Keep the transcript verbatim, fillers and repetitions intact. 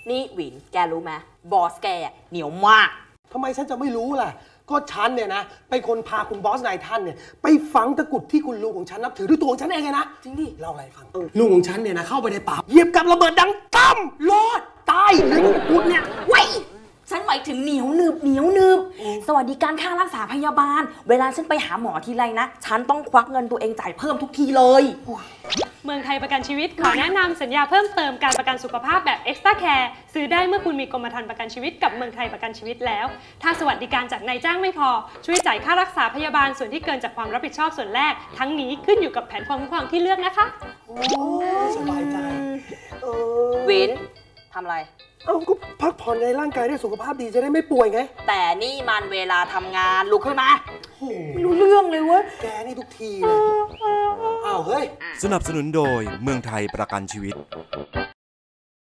นี่หวินแกรู้ไหมบอสแกเหนียวมากทำไมฉันจะไม่รู้ล่ะก็ฉันเนี่ยนะเป็นคนพาคุณบอสนายท่านเนี่ยไปฝังตะกุดที่คุณลุงของฉันนับถือด้วยตัวของฉันเองไงนะจริงดิเล่าอะไรฟังลุงของฉันเนี่ยนะเข้าไปในป่าเหยียบกับระเบิดดังตั้มรอดตายเลยตะกุดเนี่ยไว้ฉันหมายถึงเหนียวหนึบเหนียวหนึบสวัสดิการค่ารักษาพยาบาลเวลาฉันไปหาหมอทีไรนะฉันต้องควักเงินตัวเองจ่ายเพิ่มทุกทีเลยเมืองไทยประกันชีวิตขอแนะนำสัญญาเพิ่มเติมการประกันสุขภาพแบบ Extra Care ซื้อได้เมื่อคุณมีกรมธรรม์ประกันชีวิตกับเมืองไทยประกันชีวิตแล้วถ้าสวัสดิการจากนายจ้างไม่พอช่วยจ่ายค่ารักษาพยาบาลส่วนที่เกินจากความรับผิดชอบส่วนแรกทั้งนี้ขึ้นอยู่กับแผนความคุ้มครองที่เลือกนะคะโอ้สบายใจวินทำอะไรเอ้าก็พักผ่อนในร่างกายได้สุขภาพดีจะได้ไม่ป่วยไงแต่นี่มันเวลาทำงานลุกขึ้นมาไม่รู้เรื่องเลยเว้ยแกนี่ทุกทีเลยอ้าวเฮ้ยสนับสนุนโดยเมืองไทยประกันชีวิต